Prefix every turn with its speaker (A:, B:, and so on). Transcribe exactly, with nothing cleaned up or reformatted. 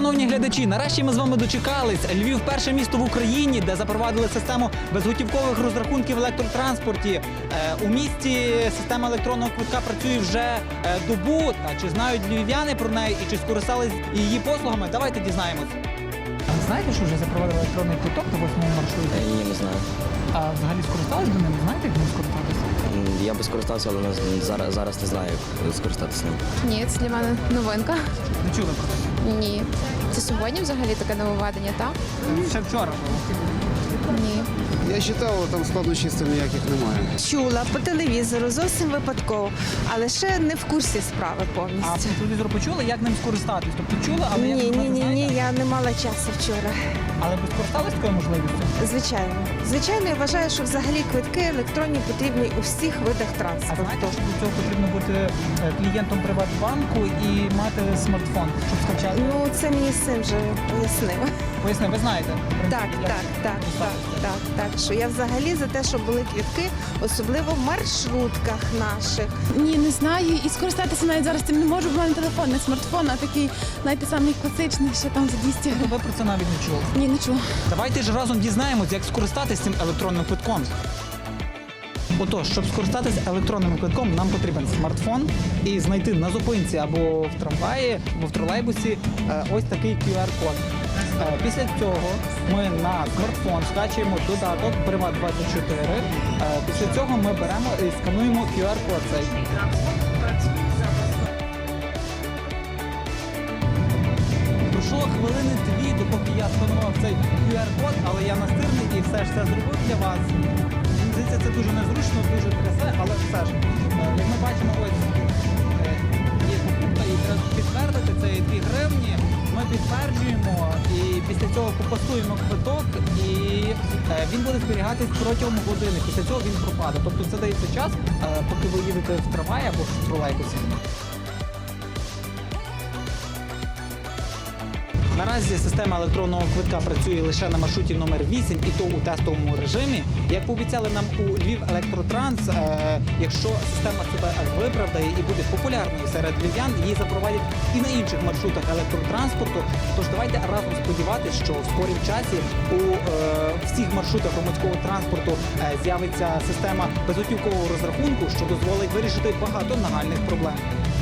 A: Шановні глядачі, нарешті ми з вами дочекались. Львів – перше місто в Україні, де запровадили систему безготівкових розрахунків в електротранспорті. Е, у місті система електронного квитка працює вже е, добу. Та чи знають львів'яни про неї і чи скористались її послугами? Давайте дізнаємось. А знаєте, що вже запровадили електронний квиток на восьмому маршруті?
B: Ні, не знаю.
A: А взагалі скористались до ним? Знаєте, як ним скористатися?
B: М, Я би скористався, але не- зараз, зараз не знаю, як скористатися ним.
C: Ні, це для мене новинка.
A: Не чули про це?
C: Ні. Це сьогодні взагалі таке нововведення, так?
A: Ще вчора було.
C: Ні.
D: Я вважав, там складнощів ніяких немає.
E: Чула по телевізору, зовсім випадково, але ще не в курсі справи
A: А
E: повністю.
A: по телевізору почули, як ним скористатись? Тобто чули, але
E: Ні,
A: як
E: ні,
A: зробити,
E: ні, ні,
A: знаєте?
E: я не мала часу вчора.
A: Але ви скористались такою можливістю?
E: Звичайно. Звичайно, я вважаю, що взагалі квитки електронні потрібні у всіх видах
A: А
E: транспорту.
A: знаєте, що для цього потрібно бути е, клієнтом Приватбанку і мати смартфон, щоб скачати?
E: Ну, це мені син вже пояснив.
A: Поясни, ви знаєте? в принципі,
E: Так,
A: як
E: так, так, так,
A: скористатися.
E: так, так. Що я взагалі за те, щоб були квитки, особливо в маршрутках наших.
F: Ні, не знаю. І скористатися навіть зараз цим не можу, бо в мене телефон, не смартфон, а такий, знаєте, самий класичний, що там за двісті гривень.
A: Ви про це навіть не чули.
F: Ні, не чула.
A: Давайте ж разом дізнаємось, як скористатися цим електронним квитком. Отож, щоб скористатися електронним квитком, нам потрібен смартфон і знайти на зупинці або в трамваї, або в тролейбусі е, ось такий кю ар-код. Е, Після цього ми на смартфон скачуємо додаток Приват двадцять чотири. Е, Після цього ми беремо і скануємо кю ар-код цей. Пройшло хвилини дві, допоки я сканував цей кю ар-код, але я настирний і все ж це зробив для вас. Мені здається, це дуже незручно, дуже трясе, але все ж. Е, Як ми бачимо, ось е, є покупка і треба підтвердити, це є дві гривні. Ми підтверджуємо і після цього попасуємо квиток і е, він буде зберігатись протягом години. Після цього він пропаде. Тобто це дається час, е, поки ви їдете в трамваї або в тролейбусі. Наразі система електронного квитка працює лише на маршруті номер вісім, і то у тестовому режимі. Як пообіцяли нам у Львів Електротранс, е, якщо система себе виправдає і буде популярною серед львів'ян, її запровадять і на інших маршрутах електротранспорту. Тож давайте разом сподіватися, що в скорім часі у е, всіх маршрутах громадського транспорту е, з'явиться система безготівкового розрахунку, що дозволить вирішити багато нагальних проблем.